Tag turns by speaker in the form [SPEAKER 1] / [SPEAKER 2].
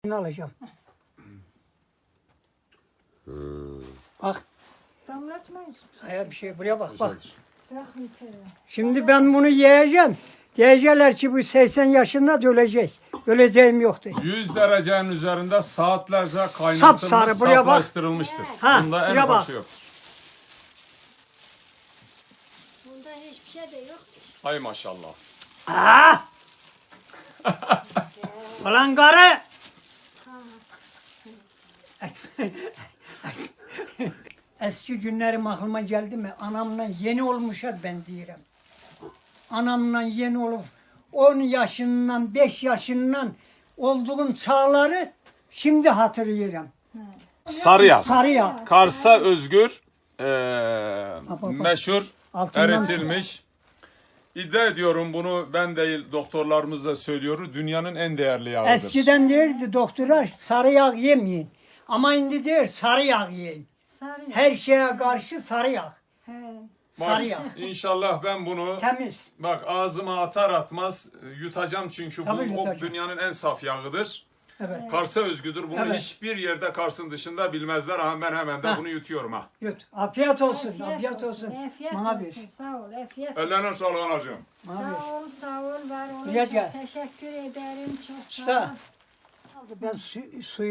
[SPEAKER 1] alacağım. Bak.
[SPEAKER 2] Damlatmayız.
[SPEAKER 1] Bir şey buraya bak bak.
[SPEAKER 2] Bırakın tere.
[SPEAKER 1] Şimdi ben bunu yiyeceğim. Diyecekler ki bu 80 yaşında da ölecek. Öleceğim yoktu.
[SPEAKER 3] 100 derecenin üzerinde saatlerce
[SPEAKER 1] Sapsarı,
[SPEAKER 3] kaynatılmış,
[SPEAKER 1] buraya bak.
[SPEAKER 3] saflaştırılmıştır.
[SPEAKER 1] Ha,
[SPEAKER 3] Bunda en
[SPEAKER 1] buraya bak.
[SPEAKER 3] ufakı yoktur.
[SPEAKER 2] Bunda hiçbir şey de yoktur.
[SPEAKER 3] Ay maşallah.
[SPEAKER 1] Aa! Ulan karı! Eski günlerim aklıma geldi mi? Anamla yeni olmuşa benziyorum. Anamla yeni olup 10 yaşından 5 yaşından olduğum çağları şimdi hatırlıyorum.
[SPEAKER 3] Sarıyak.
[SPEAKER 1] Sarıyak.
[SPEAKER 3] Kars'a özgür,
[SPEAKER 1] bak.
[SPEAKER 3] meşhur,
[SPEAKER 1] Altından
[SPEAKER 3] eritilmiş. İddia ediyorum, bunu ben değil doktorlarımız da söylüyor. Dünyanın en değerli yağıdır.
[SPEAKER 1] Eskiden derdi doktora sarı yağ yemeyin. Ama şimdi der sarı yağ yiyin.
[SPEAKER 2] Sarı.
[SPEAKER 1] Her şeye karşı sarı yağ.
[SPEAKER 2] He.
[SPEAKER 3] Bak,
[SPEAKER 1] Sarı yağ.
[SPEAKER 3] İnşallah ben bunu
[SPEAKER 1] Temiz.
[SPEAKER 3] bak ağzıma atar atmaz yutacağım çünkü
[SPEAKER 1] Tabii
[SPEAKER 3] bu
[SPEAKER 1] yutacağım.
[SPEAKER 3] dünyanın en saf yağıdır.
[SPEAKER 1] Evet.
[SPEAKER 3] Kars'a özgüdür. Bunu
[SPEAKER 1] Evet.
[SPEAKER 3] hiçbir yerde Kars'ın dışında bilmezler. Ama ben hemen de
[SPEAKER 1] Ha.
[SPEAKER 3] bunu yutuyorum ha.
[SPEAKER 1] Yut. Afiyet olsun. Afiyet olsun.
[SPEAKER 2] Afiyet
[SPEAKER 1] Bana
[SPEAKER 2] olsun.
[SPEAKER 1] bir.
[SPEAKER 2] Sağ ol. Afiyet.
[SPEAKER 3] Ellerine sağlık anacığım.
[SPEAKER 1] Bana bir.
[SPEAKER 2] Sağ ol, sağ ol. Var olun.
[SPEAKER 1] Buraya
[SPEAKER 2] Çok
[SPEAKER 1] gel.
[SPEAKER 2] teşekkür ederim. Çok sağ
[SPEAKER 1] Usta.
[SPEAKER 2] ol.
[SPEAKER 1] Ben suyu